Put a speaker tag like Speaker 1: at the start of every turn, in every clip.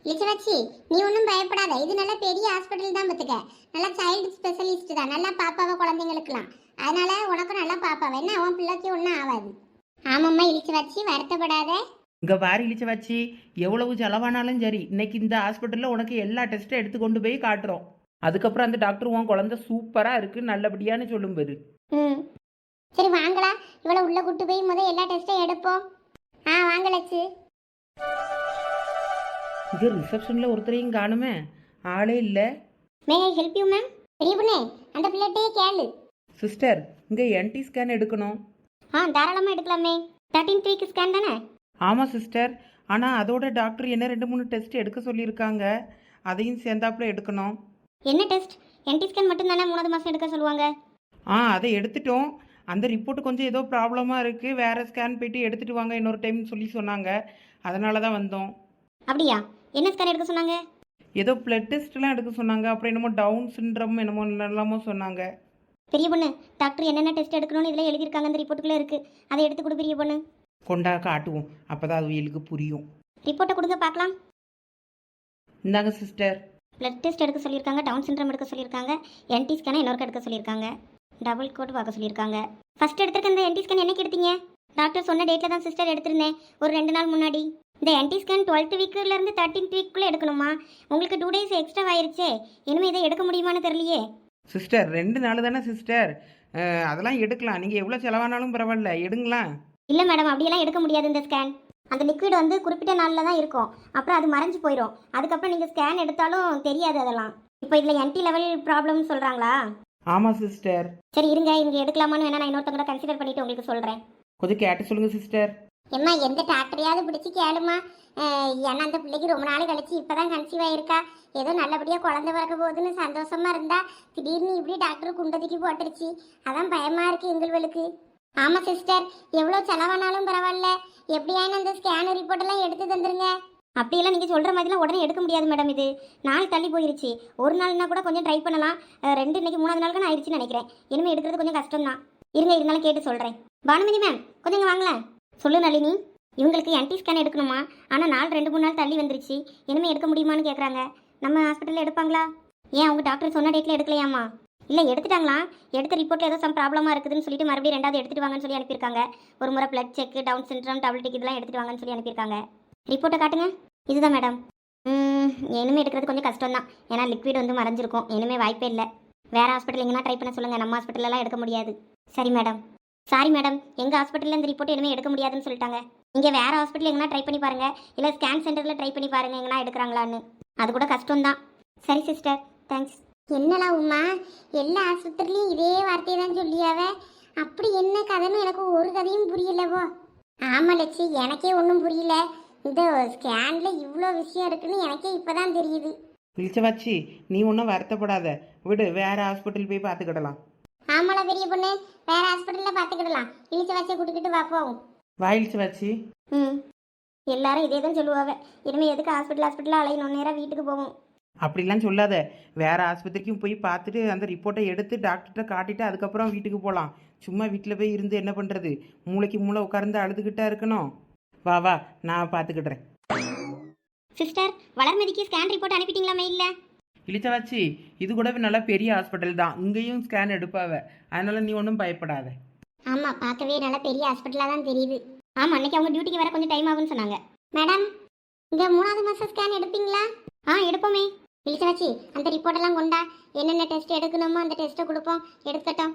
Speaker 1: லிச்சவச்சி, நீ ஒன்றும் பயப்படாத. இது நல்ல பெரிய ஹாஸ்பிட்டல் தான் பார்த்துக்க. நல்லா சைல்டு ஸ்பெஷலிஸ்ட் தான். நல்லா பாப்பாவை குழந்தைங்களுக்குலாம். அதனால உனக்கும் நல்லா பாப்பாவை. என்ன உன் பிள்ளைக்கு ஒன்றும் ஆகாது. ஆமாம்மா இழிச்சவச்சி, வருத்தப்படாத.
Speaker 2: இங்கே பாரு இழிச்ச வச்சு எவ்வளவு செலவானாலும் சரி, இன்னைக்கு இந்த ஹாஸ்பிட்டலில் உனக்கு எல்லா டெஸ்ட்டும் எடுத்து கொண்டு போய் காட்டுறோம். அதுக்கப்புறம் அந்த டாக்டர் உன் குழந்தை சூப்பராக இருக்கு நல்லபடியான்னு சொல்லும் பாரு.
Speaker 1: ம், சரி வாங்களா. இவளை உள்ள கூட்டு போய் எல்லா டெஸ்ட்டும் எடுப்போம். வாங்கலச்சு.
Speaker 2: இது ரிசப்ஷனில் ஒருத்தரையும் காணுமே, ஆளே இல்லை.
Speaker 1: May I help you ma'am? பெரிய பொண்ணே, அந்த பிள்ளைகிட்டே கேளு.
Speaker 2: சிஸ்டர், இங்கே என்டி ஸ்கேன் எடுக்கணும்.
Speaker 1: தாராளமாக எடுக்கலாமே. 13 வீக் ஸ்கேன் தானே?
Speaker 2: ஆமாம் சிஸ்டர், ஆனால் அதோட டாக்டர் என்ன 2-3 டெஸ்ட் எடுக்க சொல்லியிருக்காங்க. அதையும் சேர்ந்தாப்புல எடுக்கணும்.
Speaker 1: என்ன டெஸ்ட்? என்டி ஸ்கேன் மட்டும் தானே 3வது மாதம் எடுக்க சொல்லுவாங்க.
Speaker 2: அதை எடுத்துட்டோம். அந்த ரிப்போர்ட் கொஞ்சம் ஏதோ ப்ராப்ளமாக இருக்குது, வேறு ஸ்கேன் போயிட்டு எடுத்துகிட்டு வாங்க இன்னொரு டைம் சொல்லி சொன்னாங்க. அதனால தான் வந்தோம்.
Speaker 1: அப்படியா? என்ன ஸ்கேன் எடுக்க சொன்னாங்க?
Speaker 2: ஏதோ பிளட் டெஸ்ட்லாம் எடுக்க சொன்னாங்க. அப்புறம் என்னமோ டவுன் சிண்ட்ரம் என்னமோ எல்லாமோ சொன்னாங்க.
Speaker 1: பெரிய பொண்ணு, டாக்டர் என்னென்ன டெஸ்ட் எடுக்கணும்னு இதில் எழுதியிருக்காங்க, அந்த ரிப்போர்ட்டுக்குள்ளே இருக்குது. அதை எடுத்து கொடு பெரிய பொண்ணு.
Speaker 2: கொண்டா காட்டுவோம், அப்போ தான் அது இயலுக்கு புரியும்.
Speaker 1: ரிப்போர்ட்டை கொடுங்க பார்க்கலாம்.
Speaker 2: இந்தாங்க சிஸ்டர்.
Speaker 1: பிளட் டெஸ்ட் எடுக்க சொல்லியிருக்காங்க, டவுன் சிண்ட்ரம் எடுக்க சொல்லியிருக்காங்க, என்டி ஸ்கேனை இன்னொரு எடுக்க சொல்லியிருக்காங்க, டபுள் கோட் பார்க்க சொல்லியிருக்காங்க. ஃபர்ஸ்ட் எடுத்துருக்க இந்த என்டி ஸ்கேன் என்னைக்கு எடுத்தீங்க? டாக்டர் சொன்ன டேட்டில் தான் சிஸ்டர் எடுத்திருந்தேன், ஒரு 2 நாள் முன்னாடி. இந்த என்டி ஸ்கேன் 12th வீக்லேருந்து 13th வீக்குள்ளே எடுக்கணுமா? உங்களுக்கு 2 டேஸ் எக்ஸ்ட்ரா ஆயிருச்சே. இனிமேல் இதை எடுக்க முடியுமான்னு தெரியலையே.
Speaker 2: சிஸ்டர் 2 நாள் தானே சிஸ்டர், அதெல்லாம் எடுக்கலாம். நீங்கள் எவ்வளோ செலவானாலும் பரவாயில்ல, எடுங்களா.
Speaker 1: இல்லை மேடம், அப்படியெல்லாம் எடுக்க முடியாது. இந்த ஸ்கேன் அந்த லிக்விட் குறிப்பிட்ட நாளில் தான் இருக்கும், அப்புறம் அது மறைஞ்சு போயிடும். அதுக்கப்புறம் நீங்கள் ஸ்கேன் எடுத்தாலும் தெரியாது அதெல்லாம். இப்போ இதில் என்டி லெவல் ப்ராப்ளம்னு சொல்கிறாங்களா?
Speaker 2: ஆமாம் சிஸ்டர்.
Speaker 1: சரி இருங்க, இங்கே எடுக்கலாமான்னு வேணா நான் இன்னொருத்தவங்க கன்சிடர் பண்ணிட்டு உங்களுக்கு சொல்கிறேன்.
Speaker 2: கொஞ்சம் கேட்டு சொல்லுங்கள் சிஸ்டர்.
Speaker 1: எம்மா, எந்த டாக்டரையாவது பிடிச்சி கேளுமா. ஏன்னா அந்த பிள்ளைக்கு ரொம்ப நாள் கழிச்சு இப்போ தான் கன்சீவ் ஆயிருக்கா. ஏதோ நல்லபடியாக குழந்தை பிறக்க போகுதுன்னு சந்தோஷமா இருந்தா, திடீர்னு இப்படி டாக்டர் குண்டதுக்கு போட்டுருச்சு. அதான் பயமாக இருக்குது எங்களுக்கு. ஆமாம் சிஸ்டர், எவ்வளோ செலவானாலும் பரவாயில்ல, எப்படியானு அந்த ஸ்கேன் ரிப்போர்ட்டெல்லாம் எடுத்து தந்துருங்க. அப்படியெல்லாம் நீங்கள் சொல்கிற மாதிரிலாம் உடனே எடுக்க முடியாது மேடம். இது நாள் தள்ளி போயிருச்சு. ஒரு நாள்னா கூட கொஞ்சம் ட்ரை பண்ணலாம். 2 இன்னைக்கு 3வது நாளுக்கு நான் ஆயிடுச்சுன்னு நினைக்கிறேன். இனிமேல் எடுக்கிறது கொஞ்சம் கஷ்டம் தான். இருங்க, இருந்தாலும் கேட்டு சொல்கிறேன். பானுமதி மேம், கொஞ்சம் இங்கே வாங்களேன். சொல்லு நளினி. இவங்களுக்கு என்டி ஸ்கேன் எடுக்கணுமா? ஆனால் நாள் 2-3 நாள் தள்ளி வந்துருச்சு. இனிமேல் எடுக்க முடியுமான்னு கேட்குறாங்க. நம்ம ஹாஸ்பிட்டலில் எடுப்பாங்களா? ஏன் அவங்க டாக்டர் சொன்ன டேட்டில் எடுக்கலையாமா? இல்லை, எடுத்துட்டாங்களா. எடுத்த ரிப்போர்ட்டில் ஏதோ ப்ராப்ளமாக இருக்குதுன்னு சொல்லிட்டு மறுபடியும் 2வது எடுத்துகிட்டு வாங்கன்னு சொல்லி அனுப்பியிருக்காங்க. ஒரு முறை blood check, down syndrome, double tick இதெல்லாம் எடுத்துகிட்டு வாங்கன்னு சொல்லி அனுப்பியிருக்காங்க. ரிப்போர்ட்டை காட்டுங்க. இதுதான் மேடம். இனிமேல் எடுக்கிறது கொஞ்சம் கஷ்டம் தான், ஏன்னா லிக்விட் மறைஞ்சிருக்கும். இனிமேல் வாய்ப்பே இல்லை. வேறு ஹாஸ்பிட்டல் எங்கன்னா ட்ரை பண்ண சொல்லுங்கள், நம்ம ஹாஸ்பிட்டலெலாம் எடுக்க முடியாது. சரி மேடம். சாரி மேடம், எங்கள் ஹாஸ்பிட்டலில் இந்த ரிப்போர்ட் இனிமேல் எடுக்க முடியாதுன்னு சொல்லிட்டாங்க. நீங்கள் வேறு ஹாஸ்பிட்டல் எங்கன்னா ட்ரை பண்ணி பாருங்கள், இல்லை ஸ்கேன் சென்டரில் ட்ரை பண்ணி பாருங்கள் எங்கன்னா எடுக்கிறாங்களான்னு. அது கூட கஷ்டம்தான். சரி சிஸ்டர், தேங்க்ஸ். என்னடா உமா, எல்லா ஆஸ்பத்திரிலையும் இதே வார்த்தையை தான் சொல்லியாவ. அப்படி என்ன கதைன்னு எனக்கு ஒரு கதையும் புரியலவோ. ஆமாம் லட்சி, எனக்கே ஒன்றும் புரியல. இந்த ஸ்கேனில் இவ்வளோ விஷயம் இருக்குன்னு எனக்கே இப்போ தான் தெரியுது.
Speaker 2: இழிச்சவாச்சி, நீ ஒன்றும் வருத்தப்படாத, விடு, வேறு ஹாஸ்பிட்டல் போய் பார்த்துக்கிடலாம்.
Speaker 1: ஆமாடா பெரிய பொண்ணு, வேற ஹாஸ்பிட்டலில் பார்த்துக்கிடலாம். இழிச்ச வச்சு கூட்டிக்கிட்டு பார்ப்போம்.
Speaker 2: வா இழிச்சவாச்சி.
Speaker 1: எல்லாரும் இதே தான் சொல்லுவாங்க. இனிமேல் எதுக்கு ஹாஸ்பிட்டல் அலையணும், நேராக வீட்டுக்கு போவோம்.
Speaker 2: அப்படிலாம் சொல்லாத, வேறு ஆஸ்பத்திரிக்கும் போய் பார்த்துட்டு அந்த ரிப்போர்ட்டை எடுத்து டாக்டர்கிட்ட காட்டிட்டு அதுக்கப்புறம் வீட்டுக்கு போகலாம். சும்மா வீட்டில் போய் இருந்து என்ன பண்ணுறது? மூளைக்கு மூளை உட்கார்ந்து அழுதுகிட்டா இருக்கணும். வா வா, நான் பார்த்துக்கிடுறேன்.
Speaker 1: சிஸ்டர், வளர்மதிக்கு ஸ்கேன் ரிப்போர்ட் அனுப்பிட்டீங்களா மெயிலில்?
Speaker 2: இழிச்சவாச்சி, இது கூட நல்லா பெரிய ஹாஸ்பிட்டல் தான், இங்கேயும் ஸ்கேன் எடுப்பாவ. அதனால நீ ஒன்றும் பயப்படாத.
Speaker 1: ஆமாம், பார்க்கவே நல்லா பெரிய ஹாஸ்பிட்டலாக தான் தெரியுது. ஆமாம், அன்னைக்கு அவங்க டியூட்டிக்கு வர கொஞ்சம் டைம் ஆகும்னு சொன்னாங்க. மேடம், இந்த 3வது மாதம் ஸ்கேன் எடுப்பீங்களா? எடுப்போமே. இழிச்சவாச்சி, அந்த ரிப்போர்ட்டெல்லாம் கொண்டா. என்னென்ன டெஸ்ட் எடுக்கணுமோ அந்த டெஸ்ட்டை கொடுப்போம், எடுக்கட்டும்.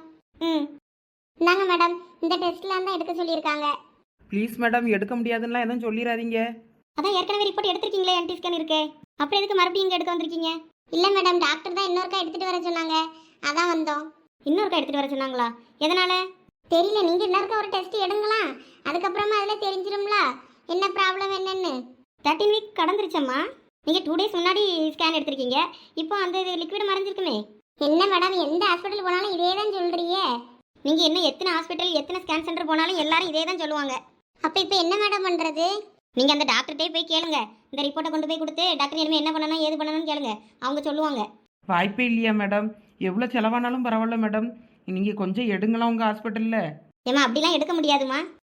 Speaker 1: இந்தாங்க மேடம், இந்த டெஸ்ட்லாம் தான் எடுக்க சொல்லியிருக்காங்க.
Speaker 2: ப்ளீஸ் மேடம், எடுக்க முடியாதுன்னா எதுவும் சொல்லிடாதீங்க.
Speaker 1: அதான் ஏற்கனவே ரிப்போர்ட் எடுத்திருக்கீங்களே, என்டி ஸ்கேன் இருக்கே, அப்புறம் எதுக்கு மறுபடியும் இங்கே எடுக்க வந்திருக்கீங்க? இல்லை மேடம், டாக்டர் தான் இன்னொருக்கா எடுத்துகிட்டு வர சொன்னாங்க, அதான் வந்தோம். இன்னொருக்கா எடுத்துகிட்டு வர சொன்னாங்களா? எதனால் தெரியல. நீங்கள் இன்னொருக்கா ஒரு டெஸ்ட் எடுங்களா, அதுக்கப்புறமா அதில் தெரிஞ்சிடும்ல என்ன ப்ராப்ளம் என்னன்னு. 13 வீக் கடந்துருச்சம்மா. நீங்கள் 2 டேஸ் முன்னாடி ஸ்கேன் எடுத்திருக்கீங்க, இப்போ அந்த லிக்விட் மறைஞ்சிருக்குமே. என்ன மேடம், எந்த ஹாஸ்பிட்டல் போனாலும் இதே தான் சொல்கிறியே. நீங்கள் என்ன எத்தனை ஹாஸ்பிட்டல் எத்தனை ஸ்கேன் சென்டர் போனாலும் எல்லாரும் இதே தான் சொல்லுவாங்க. அப்போ இப்போ என்ன மேடம் பண்ணுறது? நீங்கள் அந்த டாக்டர்கிட்டே போய் கேளுங்க. இந்த ரிப்போர்ட்டை கொண்டு போய் கொடுத்து டாக்டர் இனிமேல் என்ன பண்ணணும் ஏது பண்ணணும்னு கேளுங்க, அவங்க சொல்லுவாங்க.
Speaker 2: வாய்ப்பே இல்லையா மேடம்? எவ்வளோ செலவானாலும் பரவாயில்ல மேடம், நீங்கள் கொஞ்சம் எடுங்களா உங்கள் ஹாஸ்பிட்டலில்.
Speaker 1: ஏமா, அப்படிலாம் எடுக்க முடியாதுமா.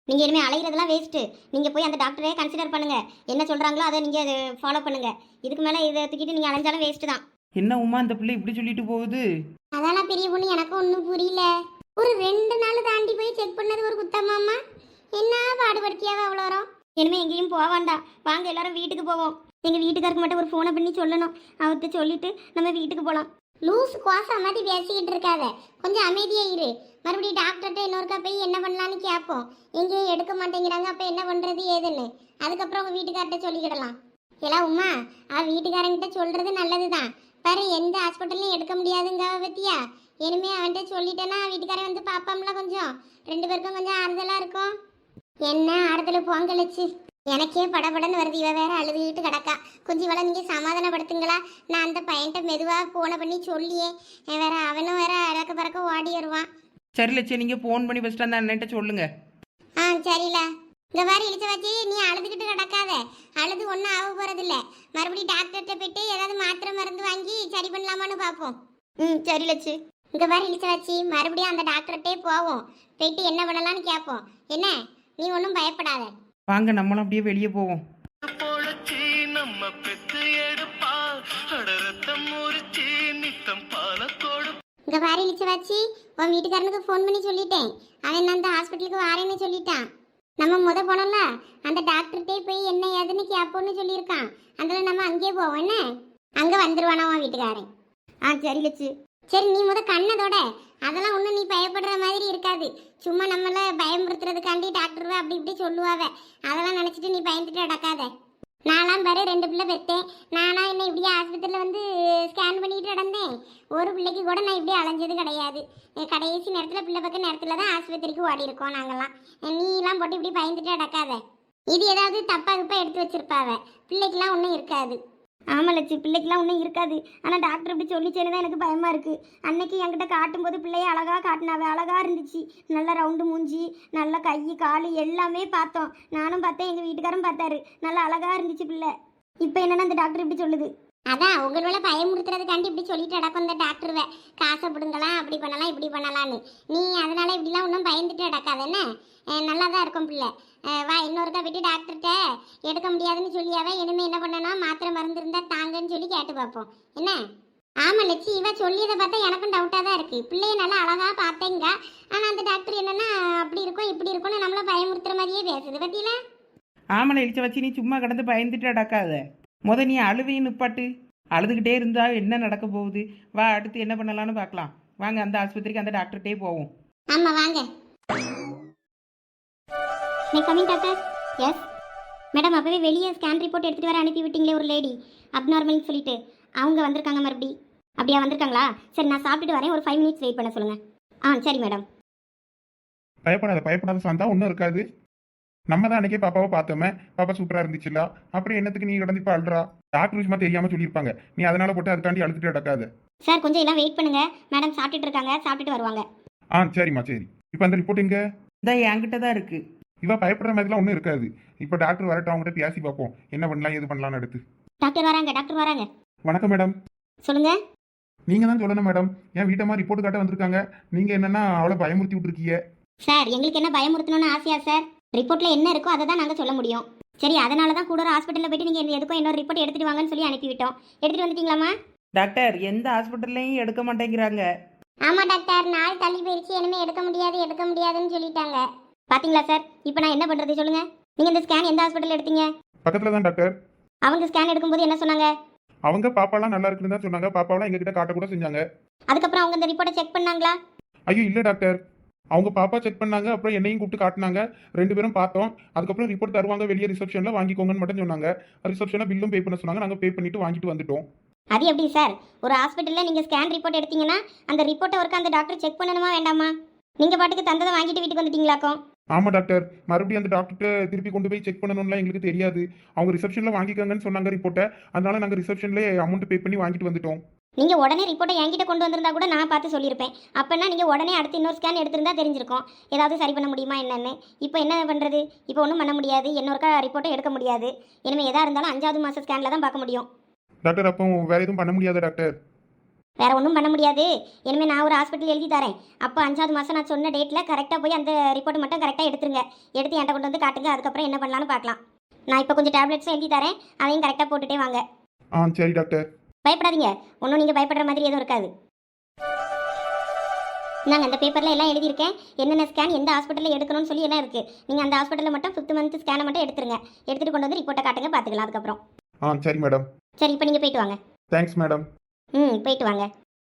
Speaker 1: நீங்கள் இனிமேல் அலைகிறதுலாம் வேஸ்ட்டு. நீங்கள் போய் அந்த டாக்டரே கன்சிடர் பண்ணுங்கள். என்ன சொல்கிறாங்களோ அதை நீங்கள் ஃபாலோ பண்ணுங்கள். இதுக்கு மேலே இதை தூக்கிட்டு நீங்கள் அலைஞ்சாலும் வேஸ்ட்டு தான்.
Speaker 2: என்ன உமா இந்த பிள்ளை இப்படி சொல்லிட்டு போகுது?
Speaker 1: அதெல்லாம் பெரிய பொண்ணு, எனக்கும் ஒன்றும் புரியல. ஒரு 2 நாள் தாண்டி போய் செக் பண்ணது ஒரு குத்தமாம்மா? என்ன பாடுபடுத்தியாவ அவ்வளோ வரும்? இனிமேல் எங்கேயும் போக வேண்டாம், வாங்க எல்லாரும் வீட்டுக்கு போவோம். எங்கள் வீட்டுக்காருக்கு மட்டும் ஒரு ஃபோனை பண்ணி சொல்லணும். அவர்கிட்ட சொல்லிட்டு நம்ம வீட்டுக்கு போகலாம். லூஸ் குவாசா மாதிரி பேசிக்கிட்டு இருக்காத, கொஞ்சம் அமைதியாக இரு. மறுபடியும் டாக்டர்கிட்ட இன்னொருக்கா போய் என்ன பண்ணலான்னு கேட்போம். எங்கேயும் எடுக்க மாட்டேங்கிறாங்க, அப்போ என்ன பண்ணுறது ஏதுன்னு அதுக்கப்புறம் உங்கள் வீட்டுக்கார்ட்ட சொல்லிக்கிடலாம். எல்லாம் உமா, வீட்டுக்காரங்கிட்ட சொல்கிறது நல்லது தான். பாரு, எந்த ஹாஸ்பிட்டல்லையும் எடுக்க முடியாதுங்க பத்தியா. இனிமே அவன்கிட்ட சொல்லிட்டேன்னா வீட்டுக்காரன் வந்து பாப்பாம்ல, கொஞ்சம் 2 பேருக்கும் கொஞ்சம் ஆறுதலாக இருக்கும். என்ன ஆறுதல் பொங்கலிச்சு, எனக்கே படபடன்னு வருது. இவ வேற அழுதுகிட்டு கிடக்கா. கொஞ்சம் இவளை நீங்கள் சமாதானப்படுத்துங்களா? நான் அந்த பையன்கிட்ட மெதுவாக ஃபோனை பண்ணி சொல்லியே வேற அவனும் வேற அறக்க பறக்க ஓடி வருவான்.
Speaker 2: சரி லட்சம், நீங்கள் ஃபோன் பண்ணி ஃபஸ்ட்டு அந்த அண்ணன்ட்ட சொல்லுங்க.
Speaker 1: சரில. இந்த மாதிரி இழிச்ச வச்சு நீ அழுதுகிட்டு கிடக்காத. அழுது ஒன்றும் ஆக போகிறதில்ல. மறுபடியும் டாக்டர்கிட்ட போயிட்டு ஏதாவது மாத்திரை மருந்து வாங்கி சரி பண்ணலாமான்னு பார்ப்போம். சரி லட்சு. இந்த மாதிரி இழிச்ச வச்சு மறுபடியும் அந்த டாக்டர்கிட்டே போவோம். போயிட்டு என்ன பண்ணலான்னு கேட்போம். என்ன, நீ ஒன்றும் பயப்படாத.
Speaker 2: வாங்க நம்மளும் அப்படியே வெளியே போவோம்.
Speaker 1: இங்க பாரு இழிச்ச வச்சு, உன் வீட்டுக்காரனுக்கு ஃபோன் பண்ணி சொல்லிட்டேன். அவன் அந்த ஹாஸ்பிட்டலுக்கு வாரேன்னு சொல்லிட்டான். நம்ம போனோம்ல, அந்த டாக்டர்கிட்டே போய் என்ன ஏதுன்னு கேட்போன்னு சொல்லியிருக்கான். அதில் நம்ம அங்கேயே போவோம். என்ன, அங்கே வந்துருவானா உன் வீட்டுக்காரன்? சரி லட்சு. சரி, நீ கண்ணதோட அதெல்லாம் ஒன்றும் நீ பயப்படுற மாதிரி இருக்காது. சும்மா நம்மளை பயமுறுத்துறதுக்காண்டி டாக்டர் அப்படி இப்படி சொல்லுவாவ. அதெல்லாம் நினச்சிட்டு நீ பயந்துட்டு நடக்காத. நான்லாம் பாரு 2 பிள்ளை பெற்றேன். நானா என்ன இப்படியே ஆஸ்பத்திரியில் வந்து ஸ்கேன் பண்ணிட்டு நடந்தேன். ஒரு பிள்ளைக்கு கூட நான் இப்படி அலைஞ்சது கிடையாது. கடைசி நேரத்தில் பிள்ளை பக்க நேரத்தில் தான் ஆஸ்பத்திரிக்கு ஓடி இருக்கோம் நாங்கள்லாம். நீலாம் போட்டு இப்படி பயந்துட்டு நடக்காத. இது ஏதாவது தப்பாக கிப்பா எடுத்து வச்சிருப்பாவ. பிள்ளைக்கெல்லாம் ஒன்றும் இருக்காது. ஆமாம் லட்சி, பிள்ளைக்கெல்லாம் ஒன்றும் இருக்காது. ஆனால் டாக்டர் இப்படி சொல்லிச்சேன்னு தான் எனக்கு பயமாக இருக்குது. அன்னைக்கு என்கிட்ட காட்டும்போது பிள்ளைய அழகாக காட்டினாவே, அழகாக இருந்துச்சு. நல்லா ரவுண்டு மூஞ்சி, நல்லா கை கால் எல்லாமே பார்த்தோம். நானும் பார்த்தேன், எங்கள் வீட்டுக்காரும் பார்த்தாரு. நல்லா அழகாக இருந்துச்சு பிள்ளை. இப்போ என்னன்னா அந்த டாக்டர் இப்படி சொல்லுது. அதான் உங்களோட பயமுறுத்துறதுக்காண்டி இப்படி சொல்லிட்டு நடக்கும் இந்த டாக்டருவை. காசை பிடுங்கலாம், அப்படி பண்ணலாம் இப்படி பண்ணலான்னு. நீ அதனால இப்படிலாம் ஒன்றும் பயந்துட்டு நடக்காது. என்ன, நல்லா தான் இருக்கும் பிள்ளை. வா, இன்னொருக்கா விட்டு டாக்டர்கிட்ட எடுக்க முடியாதுன்னு சொல்லியாவே. இனிமேல் என்ன பண்ணணும், மாத்திரை மருந்து இருந்தால் தாங்கன்னு சொல்லி கேட்டு பார்ப்போம். என்ன? ஆமாம் லட்சி, இவ சொல்லியதை பார்த்தா எனக்கும் டவுட்டாக தான் இருக்குது. பிள்ளைய நல்லா அழகாக பார்த்தேங்க. ஆனால் அந்த டாக்டர் என்னன்னா அப்படி இருக்கும் இப்படி இருக்கும்னு நம்மளை பயமுறுத்துற மாதிரியே பேசுது பற்றியில.
Speaker 2: ஆமாம் இழிச்ச வச்சு நீ சும்மா கிடந்து பயந்துட்டு நடக்காத. நீ அழுவையும் நிப்பாட்டு. அழுதுகிட்டே இருந்தா என்ன நடக்க போகுது? வா, அடுத்து என்ன பண்ணலான்னு பார்க்கலாம். வாங்க அந்த ஆஸ்பத்திரிக்கு அந்த டாக்டர்கிட்டே போவோம்.
Speaker 1: ஆமாம் வாங்க. Coming doctor. எஸ் மேடம், அப்போவே வெளியே ஸ்கேன் ரிப்போர்ட் எடுத்துகிட்டு வர அனுப்பி விட்டீங்களே ஒரு லேடி, அப்நார்மல்னு சொல்லிட்டு. அவங்க வந்திருக்காங்க மறுபடி. அப்படியா வந்திருக்காங்களா? சரி, நான் சாப்பிட்டுட்டு வரேன். ஒரு 5 மினிட்ஸ் வெயிட் பண்ண சொல்லுங்கள். சரி மேடம்.
Speaker 3: பயப்படாத சாந்தா, ஒன்றும் இருக்காது. நம்ம தான் அன்னைக்கே பாப்பாவை பார்த்தோமே, பாப்பா சூப்பராக இருந்துச்சுல்ல. அப்புறம் என்னத்துக்கு நீ கிடந்து இப்போ அழுறா? டாக்டர் விஷயமா தெரியாமல் சொல்லியிருப்பாங்க. நீ அதனால போட்டு அதுக்காண்டி அழுத்துட்டு நடக்காது.
Speaker 1: சார் கொஞ்சம் எல்லாம் வெயிட் பண்ணுங்க. மேடம் சாப்பிட்டுட்டு இருக்காங்க, சாப்பிட்டுட்டு வருவாங்க.
Speaker 3: சரிம்மா, சரி. இப்போ அந்த ரிப்போர்ட் எங்க?
Speaker 2: இந்த என்கிட்ட தான் இருக்கு.
Speaker 3: இவ பயப்படுற மாதிரிலாம் ஒன்றும் இருக்காது. இப்போ டாக்டர் வரட்டும், அவங்ககிட்ட பேசி பார்ப்போம் என்ன பண்ணலாம் ஏது பண்ணலாம்னு அடுத்து.
Speaker 1: டாக்டர் வராங்க, டாக்டர் வராங்க.
Speaker 3: வணக்கம் மேடம்.
Speaker 1: சொல்லுங்க.
Speaker 3: நீங்க தான் சொல்லணும் மேடம். என் வீட்டம்மா ரிப்போர்ட் காட்ட வந்திருக்காங்க. நீங்க என்னன்னா அவளை பயமுறுத்தி விட்டுருக்கீங்க.
Speaker 1: சார், எங்களுக்கு என்ன பயமுறுத்தணும்னு ஆசையா சார்? ரிப்போர்ட்ல என்ன இருக்கோ அதை தான் நாங்கள் சொல்ல முடியும். சரி, அதனால தான் கூட ஒரு ஹாஸ்பிட்டலில் போயிட்டு நீங்கள் எதுக்கும் இன்னொரு ரிப்போர்ட் எடுத்துட்டு வாங்கன்னு சொல்லி அனுப்பிவிட்டோம். எடுத்துட்டு வந்துட்டீங்களாமா?
Speaker 2: டாக்டர், எந்த ஹாஸ்பிட்டல்லையும் எடுக்க மாட்டேங்கிறாங்க.
Speaker 1: ஆமாம் டாக்டர், நாள் தள்ளி போயிடுச்சு. இனிமேல் எடுக்க முடியாதுன்னு சொல்லிட்டாங்க. பாத்தீங்களா சார்? இப்போ நான் என்ன பண்ணுறது சொல்லுங்க. நீங்கள் இந்த ஸ்கேன் எந்த ஹாஸ்பிட்டல் எடுத்தீங்க?
Speaker 3: பக்கத்துல தான் டாக்டர்.
Speaker 1: அவங்க ஸ்கேன் எடுக்கும்போது என்ன சொன்னாங்க?
Speaker 3: அவங்க பாப்பாலாம் நல்லா இருக்குன்னு தான் சொன்னாங்க. பாப்பாவெல்லாம் எங்ககிட்ட காட்ட கூட செஞ்சாங்க.
Speaker 1: அதுக்கப்புறம் அவங்க இந்த ரிப்போர்ட்டை செக் பண்ணாங்களா?
Speaker 3: ஐயோ இல்லை டாக்டர். அவங்க பாப்பா செக் பண்ணாங்க, அப்புறம் என்னையும் கூப்பிட்டு காட்டினாங்க. 2 பேரும் பார்த்தோம். அதுக்கப்புறம் ரிப்போர்ட் தருவாங்க, வெளியே ரிசப்ஷனில் வாங்கிக்கோங்கன்னு மட்டும் சொன்னாங்க. ரிசப்ஷனில் பில்லும் பே பண்ண சொன்னாங்க. நாங்கள் பே பண்ணிட்டு வாங்கிட்டு வந்துட்டோம்.
Speaker 1: அது எப்படி சார்? ஒரு ஹாஸ்பிட்டலில் நீங்கள் ஸ்கேன் ரிப்போர்ட் எடுத்தீங்கன்னா அந்த ரிப்போர்ட்டை ஒர்க்கு அந்த டாக்டர் செக் பண்ணணுமா வேண்டாமா? நீங்கள் பாட்டுக்கு தந்ததை வாங்கிட்டு வீட்டுக்கு வந்துட்டீங்களாக்கும்.
Speaker 3: ஆமாம் டாக்டர், மறுபடியும் அந்த டாக்டர்கிட்ட திருப்பி கொண்டு போய் செக் பண்ணணும்லாம் எங்களுக்கு தெரியாது. அவங்க ரிசப்ஷனில் வாங்கிக்கோங்கன்னு சொன்னாங்க ரிப்போர்ட்டை. அதனால நாங்கள் ரிசப்ஷன்லேயே அமௌண்ட் பே பண்ணி வாங்கிட்டு வந்துட்டோம்.
Speaker 1: நீங்கள் உடனே ரிப்போர்ட்டை என்கிட்ட கொண்டு வந்திருந்தா கூட நான் பார்த்து சொல்லியிருப்பேன். அப்போனா நீங்கள் உடனே அடுத்து இன்னொரு ஸ்கேன் எடுத்திருந்தா தெரிஞ்சிருக்கும் ஏதாவது சரி பண்ண முடியுமா என்னன்னு. இப்போ என்ன பண்ணுறது? இப்போ ஒன்றும் பண்ண முடியாது. இன்னொருக்கா ரிப்போர்ட்டை எடுக்க முடியாது. இனிமேல் எதாக இருந்தாலும் 5வது மாத ஸ்கேனில் தான் பார்க்க முடியும்.
Speaker 3: டாக்டர், அப்போ வேறு எதுவும் பண்ண முடியாத டாக்டர்?
Speaker 1: வேற ஒன்றும் பண்ண முடியாது. இனிமேல் நான் ஒரு ஹாஸ்பிட்டல் எழுதி தரேன். அப்போ 5வது மாதம் நான் சொன்ன டேட்டில் கரெக்டாக போய் அந்த ரிப்போர்ட் மட்டும் கரெக்டாக எடுத்துருங்க. எடுத்து என்கிட்ட கொண்டு வந்து காட்டுங்க. அதுக்கப்புறம் என்ன பண்ணலான்னு பார்க்கலாம். நான் இப்போ கொஞ்சம் டேப்லெட்ஸும் எழுதி தரேன். அதையும் கரெக்டாக போட்டுட்டே வாங்க.
Speaker 3: சரி டாக்டர்.
Speaker 1: பயப்படாதீங்க. ஒன்றும் நீங்கள் பயப்படுற மாதிரி எதுவும் இருக்காது. நாங்கள் அந்த பேப்பரில் எல்லாம் எழுதியிருக்கேன். என்னென்ன ஸ்கேன் எந்த ஹாஸ்பிட்டலில் எடுக்கணும்னு சொல்லி எல்லாம் இருக்குது. நீங்கள் அந்த ஹாஸ்பிட்டலில் மட்டும் 5th மந்த் ஸ்கேனை மட்டும் எடுத்துருங்க. எடுத்துகிட்டு கொண்டு வந்து ரிப்போர்ட்டை காட்டுங்க, பார்த்துக்கலாம் அதுக்கப்புறம்.
Speaker 3: சரி மேடம்.
Speaker 1: சரி, இப்போ நீங்கள் போயிட்டு வாங்க.
Speaker 3: Thanks madam.
Speaker 1: போயிட்டு வாங்க.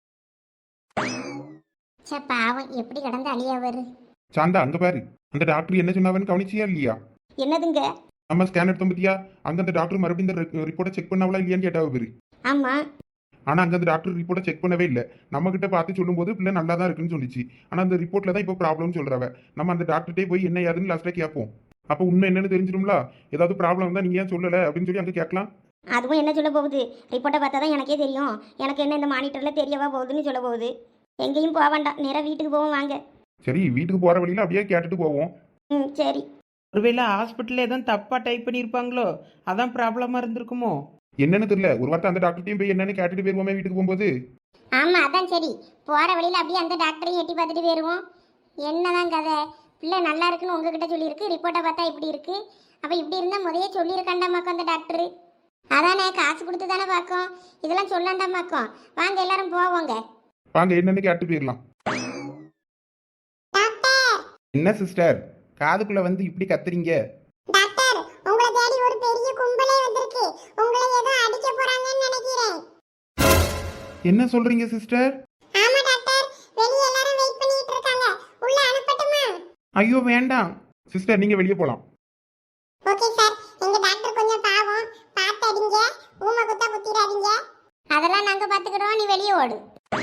Speaker 1: சே பாவம், எப்படி கடந்து அழியவர்.
Speaker 3: சாந்தா அங்க பாரு, அந்த டாக்டர் என்ன சொன்னாவன்னு கவனிச்சியா இல்லையா?
Speaker 1: என்னதுங்க?
Speaker 3: நம்ம ஸ்கேன் எடுத்தோம் பத்தியா, அங்க அந்த டாக்டர் மறுபடியும் இந்த ரிப்போர்ட்டை செக் பண்ணாவளா இல்லையான்னு கேட்டாவ பேரு.
Speaker 1: ஆமாம்.
Speaker 3: ஆனா அங்க அந்த டாக்டர் ரிப்போர்ட்டை செக் பண்ணவே இல்லை. நம்ம கிட்ட பார்த்து சொல்லும்போது பிள்ளை நல்லா தான் இருக்குன்னு சொல்லிச்சு. ஆனா அந்த ரிப்போர்ட்ல தான் இப்போ ப்ராப்ளம்னு சொல்றவ. நம்ம அந்த டாக்டர்கிட்டே போய் என்ன ஏதுன்னு லாஸ்ட்டாக கேட்போம். அப்போ உண்மை என்னன்னு தெரிஞ்சிடும்ல. ஏதாவது ப்ராப்ளம் தான் நீங்க ஏன் சொல்லலை அப்படின்னு சொல்லி அங்கே கேட்கலாம்.
Speaker 1: அதுவும் என்ன சொல்ல போகுது? ரிப்போர்ட்டை பார்த்தா தான் எனக்கே தெரியும். எனக்கு என்ன இந்த மானிட்டரில் தெரியவா போகுதுன்னு சொல்ல போகுது. எங்கேயும் போக வேண்டாம், நேராக வீட்டுக்கு போவோம் வாங்க.
Speaker 3: சரி, வீட்டுக்கு போற வழியில அப்படியே கேட்டுட்டு போவோம்.
Speaker 1: சரி.
Speaker 2: ஒருவேளை ஹாஸ்பிட்டலில் எதுவும் தப்பாக டைப் பண்ணியிருப்பாங்களோ, அதான் ப்ராப்ளமாக இருந்திருக்குமோ?
Speaker 3: என்னன்னு தெரியல. ஒரு வார்த்தை அந்த டாக்டர்ட்டையும் போய் என்னன்னு கேட்டுட்டு போயிருவோமே வீட்டுக்கு போகும்போது.
Speaker 1: ஆமாம், அதான் சரி. போகிற வழியில் அப்படியே அந்த டாக்டரையும் எட்டி பார்த்துட்டு போயிடுவோம். என்னதான் கதை? பிள்ளை நல்லா இருக்குன்னு உங்ககிட்ட சொல்லியிருக்கு, ரிப்போர்ட்டை பார்த்தா இப்படி இருக்கு. அப்போ இப்படி இருந்தால் முதையே சொல்லியிருக்காண்டாமாக்கும் அந்த டாக்டரு. அதானே, காசு கொடுத்து தானே பார்க்கும். இதெல்லாம் சொல்லாண்டாமாக்கும். வாங்க எல்லாரும் போவோங்க.
Speaker 3: வாங்க என்னன்னு கேட்டு போயிடலாம்.
Speaker 2: என்ன சிஸ்டர், காதுக்குள்ளே வந்து இப்படி கத்துறீங்க?
Speaker 1: டாக்டர், உங்களை தேடி ஒரு பெரிய கும்பலே வந்திருக்கு. உங்களை ஏதோ அடிக்க போறாங்கன்னு நினைக்கிறேன்.
Speaker 2: என்ன சொல்றீங்க சிஸ்டர்?
Speaker 1: ஆமா டாக்டர், வெளிய எல்லாரும் வெயிட் பண்ணிட்டு இருக்காங்க. உள்ள அனுப்பட்டுமா?
Speaker 2: ஐயோ வேண்டாம்.
Speaker 3: சிஸ்டர் நீங்க வெளியே போலாம்.
Speaker 1: Okay sir. எங்க டாக்டர் கொஞ்சம் பாவம், பார்த்து அடிங்க. ஊமை குத்தா குத்திராதீங்க. அதெல்லாம் நாங்க பாத்துக்கிறோம், நீ வெளிய ஓடு.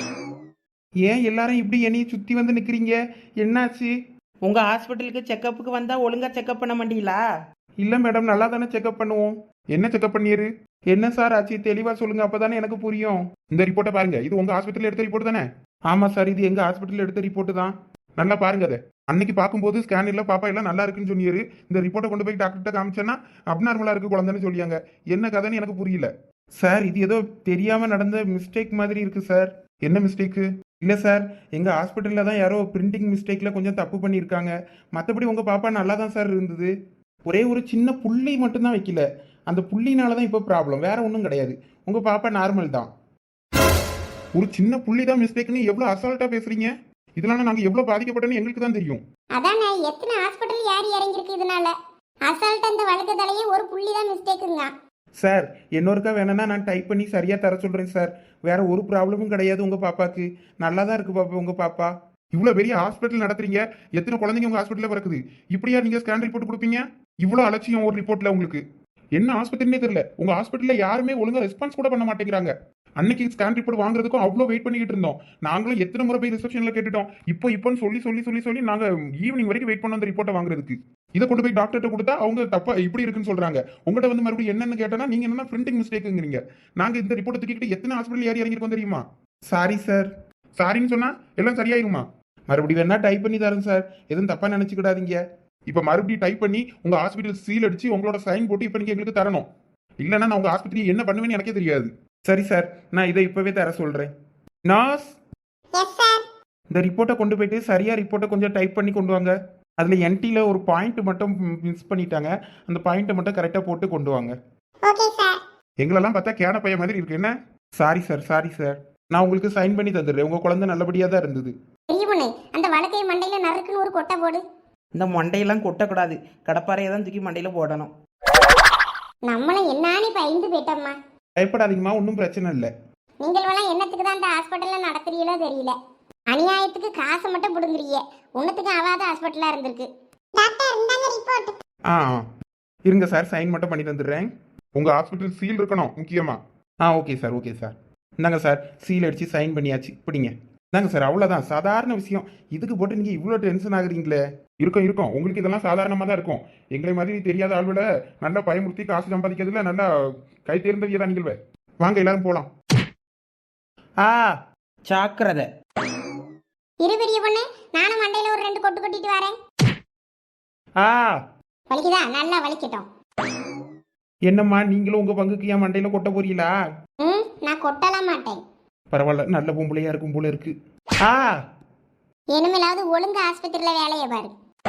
Speaker 2: ஏன் எல்லாரும் இப்படி என்னைய சுற்றி வந்து நிற்கிறீங்க? என்னாச்சு? உங்கள் ஹாஸ்பிட்டலுக்கு செக்கப்புக்கு வந்தால் ஒழுங்காக செக்கப் பண்ண மாட்டீங்களா?
Speaker 3: இல்ல மேடம், நல்லா தானே செக்அப் பண்ணுவோம். என்ன செக்அப் பண்ணிரு?
Speaker 2: என்ன சார் ஆச்சு? தெளிவாக சொல்லுங்கள், அப்போ தானே எனக்கு புரியும்.
Speaker 3: இந்த ரிப்போர்ட்டை பாருங்க. இது உங்க ஹாஸ்பிட்டல் எடுத்த ரிப்போர்ட் தானே?
Speaker 2: ஆமாம் சார், இது எங்கள் ஹாஸ்பிட்டலில் எடுத்த ரிப்போர்ட்டு தான்.
Speaker 3: நல்லா பாருங்க அதை. அன்னைக்கு பார்க்கும்போது ஸ்கேன் இல்லை, பாப்பா எல்லாம் நல்லா இருக்குன்னு சொன்னிரு. இந்த ரிப்போர்ட்டை கொண்டு போய் டாக்டர்கிட்ட காமிச்சேன்னா அப்நார்மலா இருக்கு குழந்தைன்னு சொல்லியாங்க. என்ன கதைன்னு எனக்கு புரியல.
Speaker 2: சார், இது ஏதோ தெரியாமல் நடந்த மிஸ்டேக் மாதிரி இருக்குது சார்.
Speaker 3: என்ன மிஸ்டேக்கு?
Speaker 2: இல்லை சார், எங்கள் ஹாஸ்பிட்டலில் தான் யாரோ பிரிண்டிங் மிஸ்டேக்கில் கொஞ்சம் தப்பு பண்ணியிருக்காங்க. மற்றபடி உங்கள் பாப்பா நல்லா தான் சார் இருந்தது. ஒரே ஒரு சின்ன புள்ளி மட்டும்தான் வைக்கல. அந்த புள்ளினால தான் இப்போ ப்ராப்ளம், வேற ஒன்றும் கிடையாது. உங்கள் பாப்பா நார்மல் தான்.
Speaker 3: ஒரு சின்ன புள்ளி தான் மிஸ்டேக்னு எவ்வளோ அசால்ட்டா பேசுறீங்க. இதனால நாங்கள் எவ்வளோ பாதிக்கப்பட்டோன்னு எங்களுக்கு தான் தெரியும்.
Speaker 1: அதானே, எத்தனை ஹாஸ்பிட்டல் யார் இறங்கிருக்கு இதனால. அசால்ட் அந்த வழக்கு தலையே ஒரு புள்ளி தான் மிஸ்டேக்குங்க.
Speaker 2: சார், இன்னொருக்கா வேணும்னா நான் டைப் பண்ணி சரியாக தர சொல்கிறேன் சார். வேற ஒரு ப்ராப்ளமும் கிடையாது உங்கள் பாப்பாக்கு. நல்லா தான் இருக்கு பாப்பா உங்கள் பாப்பா.
Speaker 3: இவ்வளோ பெரிய ஹாஸ்பிட்டல் நடத்துறீங்க, எத்தனை குழந்தைங்க உங்க ஹாஸ்பிட்டலில் பிறக்குது. இப்படியா நீங்க ஸ்கேன் ரிப்போர்ட் கொடுப்பீங்க? இவ்வளோ அலட்சியம் ஒரு ரிப்போர்ட்ல உங்களுக்கு. என்ன ஆஸ்பத்திரினே தெரியல. உங்க ஹாஸ்பிட்டலில் யாருமே ஒழுங்கா ரெஸ்பான்ஸ் கூட பண்ண மாட்டேங்கிறாங்க. அன்னைக்கு ஸ்கேன் ரிப்போர்ட் வாங்குறதுக்கும் அவ்வளோ வெயிட் பண்ணிக்கிட்டு இருந்தோம். நாங்களும் எத்தனை முறை போய் ரிசப்ஷனில் கேட்டுட்டோம். இப்போன்னு சொல்லி சொல்லி சொல்லி சொல்லி நாங்கள் ஈவினிங் வரைக்கும் வெயிட் பண்ணோம் அந்த ரிப்போர்ட்டை வாங்குறதுக்கு. இதை கொண்டு போய் டாக்டர்கிட்ட கொடுத்தா அவங்க தப்பா இப்படி இருக்குன்னு சொல்றாங்க. உங்கள்கிட்ட வந்து மறுபடியும் என்னன்னு கேட்டா நீங்க என்ன பிரிண்டிங் மிஸ்டேக்குங்கிறீங்க. நாங்க இந்த ரிப்போர்ட்டை தூக்கிட்டு எத்தனை ஹாஸ்பிட்டல் ஏறி இறங்கிருக்கோம் தெரியுமா?
Speaker 2: Sorry sir.
Speaker 3: சாரின்னு சொன்னா எல்லாம் சரியாயிருமா?
Speaker 2: மறுபடியும் வேணா டைப் பண்ணி தரேன் சார், எதுவும் தப்பா நினைச்சுக்கிடாதீங்க.
Speaker 3: இப்போ மறுபடியும் டைப் பண்ணி உங்க ஹாஸ்பிட்டல் சீல் அடிச்சு உங்களோட சைன் போட்டு இப்போ நீங்க எங்களுக்கு தரணும். இல்லைன்னா நான் உங்க ஹாஸ்பிட்டல் என்ன பண்ணுவேன்னு எனக்கே தெரியாது.
Speaker 2: சரி சார், நான் இதை இப்பவே தர சொல்றேன். நர்ஸ், இந்த ரிப்போர்ட்டை கொண்டு போயிட்டு சரியா ரிப்போர்ட்டை கொஞ்சம் டைப் பண்ணி கொண்டு வாங்க. அதில் என்டியில் ஒரு பாயிண்ட் மட்டும் மிஸ் பண்ணிட்டாங்க, அந்த பாயிண்ட்டை மட்டும் கரெக்டாக போட்டு கொண்டு வாங்க.
Speaker 1: Okay sir.
Speaker 3: எங்களெல்லாம் பார்த்தா கேன பையன் மாதிரி இருக்கு. என்ன?
Speaker 2: Sorry sir, sorry sir. நான் உங்களுக்கு சைன் பண்ணி தந்துடுறேன். உங்கள் குழந்தை நல்லபடியாக தான் இருந்தது.
Speaker 1: பெரிய பொண்ணு, அந்த வழக்கை மண்டையில நறுக்குன்னு ஒரு கொட்டை போடு.
Speaker 2: இந்த மண்டையெல்லாம் கொட்டக்கூடாது, கடப்பாறையை தான் தூக்கி மண்டையில் போடணும்.
Speaker 1: நம்மள என்னானே பயந்து போயிட்டோம்மா.
Speaker 2: பயப்படாதீங்கம்மா, ஒன்றும் பிரச்சனை இல்லை.
Speaker 1: நீங்கள் எல்லாம் என்னத்துக்கு தான் அந்த ஹாஸ்பிட்டல்ல நடத்துறீங்களோ தெரியல. அநியாயத்துக்கு காசை மட்டும் புடுங்குறீங்க. ஒன்னுத்துக்கு ஆகாத ஹாஸ்பிட்டலா இருந்திருக்கு. டாக்டர், இந்தாங்க ரிப்போர்ட்.
Speaker 2: ஆ இருங்க சார், சைன் மட்டும் பண்ணி தந்துடுறேன்.
Speaker 3: உங்க ஹாஸ்பிட்டல் சீல் இருக்கணும் முக்கியமா.
Speaker 2: Okay sir, okay sir. இந்தாங்க சார், சீல் அடித்து சைன் பண்ணியாச்சு, பிடிங்க. இந்தாங்க சார், அவ்வளோதான், சாதாரண விஷயம். இதுக்கு போட்டு நீங்கள் இவ்வளோ டென்ஷன் ஆகுறீங்களே.
Speaker 3: இருக்கும் இருக்கும், உங்களுக்கு இதெல்லாம் சாதாரணமாக தான் இருக்கும். எங்களை மாதிரி தெரியாத ஆள்விட நல்லா பயமுறுத்தி காசு சம்பாதிக்கிறதுல நல்லா கை தேர்ந்தவியதான் நீங்கள். வாங்க எல்லாரும் போகலாம்.
Speaker 2: சாக்கிரதை.
Speaker 1: இரு பெரிய பொண்ணு, நானும் மண்டையில ஒரு 2 கொட்டு கொட்டிட்டு வரேன். வலிக்குதா? நல்லா வலிக்கட்டும்.
Speaker 2: என்னம்மா, நீங்களும் உங்கள் பங்குக்கு என் மண்டையில் கொட்ட போறீங்களா?
Speaker 1: நான் கொட்டலாம் மாட்டேன்.
Speaker 3: பரவாயில்ல, நல்ல பொம்பளையா இருக்கும் போல இருக்கு. ஆ
Speaker 1: இனிமேலாவது ஒழுங்கு ஆஸ்பத்திரியில் வேலையை பாரு.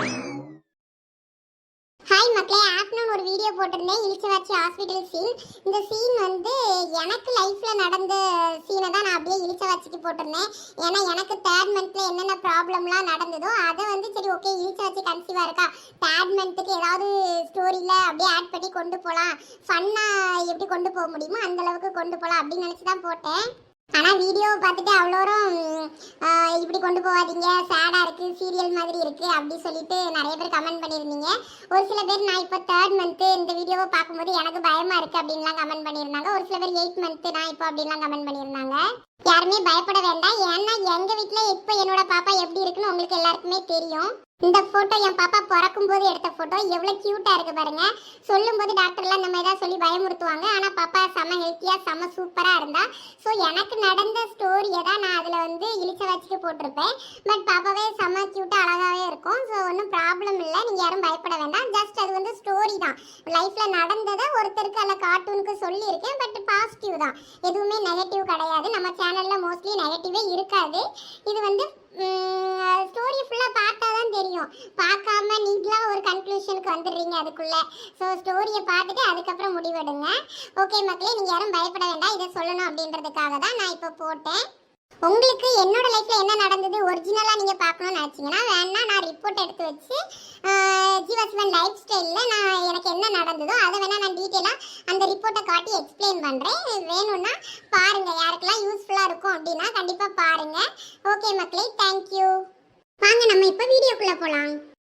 Speaker 1: ஹாய் மக்களே, ஆஃப்டர்நூன் ஒரு வீடியோ போட்டிருந்தேன் இளிச்சவாச்சி ஹாஸ்பிட்டல் சீன். இந்த சீன் வந்து எனக்கு லைஃப்பில் நடந்த சீனை தான் நான் அப்படியே இளிச்சவாச்சிக்கு போட்டிருந்தேன். ஏன்னா எனக்கு தேர்ட் மந்த்தில் என்னென்ன ப்ராப்ளம்லாம் நடந்ததோ அதை வந்து சரி ஓகே இளிச்சவாச்சி கன்சீவாக இருக்கா, தேர்ட் மந்த்துக்கு ஏதாவது ஸ்டோரியில் அப்படியே ஆட் பண்ணி கொண்டு போகலாம், ஃபன்னாக எப்படி கொண்டு போக முடியுமோ அந்தளவுக்கு கொண்டு போகலாம் அப்படின்னு நினச்சி தான் போட்டேன். ஆனால் வீடியோவை பார்த்துட்டு அவ்வளோரும் இப்படி கொண்டு போகாதீங்க, சேடாக இருக்குது, சீரியல் மாதிரி இருக்குது அப்படி சொல்லிட்டு நிறைய பேர் கமெண்ட் பண்ணியிருந்தீங்க. ஒரு சில பேர் நான் இப்போ தேர்ட் மந்த்து இந்த வீடியோவை பார்க்கும்போது எனக்கு பயமாக இருக்குது அப்படின்லாம் கமெண்ட் பண்ணியிருந்தாங்க. ஒரு சில பேர் 8 மந்த்து நான் இப்போ அப்படின்லாம் கமெண்ட் பண்ணியிருந்தாங்க. யாருமே பயப்பட வேண்டாம். ஏன்னா எங்கள் வீட்டில் இப்போ என்னோட பாப்பா எப்படி இருக்குன்னு உங்களுக்கு எல்லாருக்குமே தெரியும். இந்த ஃபோட்டோ என் பாப்பா பிறக்கும் போது எடுத்த ஃபோட்டோ எவ்வளோ க்யூட்டாக இருக்குது பாருங்கள். சொல்லும்போது டாக்டர்லாம் நம்ம ஏதாவது சொல்லி பயமுறுத்துவாங்க, ஆனால் பாப்பா செம்ம ஹெல்த்தியாக செம்ம சூப்பராக இருந்தா. ஸோ எனக்கு நடந்த ஸ்டோரியை தான் நான் அதில் வந்து இளிச்சவாச்சிக்கு போட்டிருப்பேன். பட் பாப்பாவே செம்ம க்யூட்டாக அழகாகவே இருக்கும். ஸோ ஒன்றும் ப்ராப்ளம் இல்லை, நீங்கள் யாரும் பயப்பட வேண்டாம். ஜஸ்ட் அது வந்து ஸ்டோரி தான், லைஃப்பில் நடந்ததை ஒருத்தருக்கு அதில் கார்ட்டூனுக்கு சொல்லியிருக்கேன். பட் பாசிட்டிவ் தான், எதுவுமே நெகட்டிவ் கிடையாது. நம்ம சேனலில் மோஸ்ட்லி நெகட்டிவே இருக்காது. இது வந்து ஸ்டோரி ஃபுல்லாக பார்த்தா தான் தெரியும், பார்க்காம நீங்களாக ஒரு கன்க்ளூஷனுக்கு வந்துடுறீங்க அதுக்குள்ளே. ஸோ ஸ்டோரியை பார்த்துட்டு அதுக்கப்புறம் முடிவெடுங்க. ஓகே மக்களே, நீங்கள் யாரும் பயப்பட வேண்டாம், இதை சொல்லணும் அப்படின்றதுக்காக தான் நான் இப்போ போட்டேன். உங்களுக்கு என்னோட லைஃப்பில் என்ன நடந்தது ஒரிஜினலாக நீங்கள் பார்க்கணும்னு நினச்சிங்கன்னா வேணா நான் ரிப்போர்ட் எடுத்து வச்சு ஜீவாசிவன் லைஃப் ஸ்டைலில் நான் எனக்கு என்ன நடந்ததோ அதை வேணால் நான் டீட்டெயிலாக அந்த ரிப்போர்ட்டை காட்டி எக்ஸ்பிளைன் பண்ணுறேன். வேணும்னா பாருங்கள், யாருக்கெல்லாம் யூஸ்ஃபுல்லாக இருக்கும் அப்படின்னா கண்டிப்பாக பாருங்கள். ஓகே மக்களே, தேங்க்யூ. வாங்க நம்ம இப்போ வீடியோக்குள்ளே போகலாம்.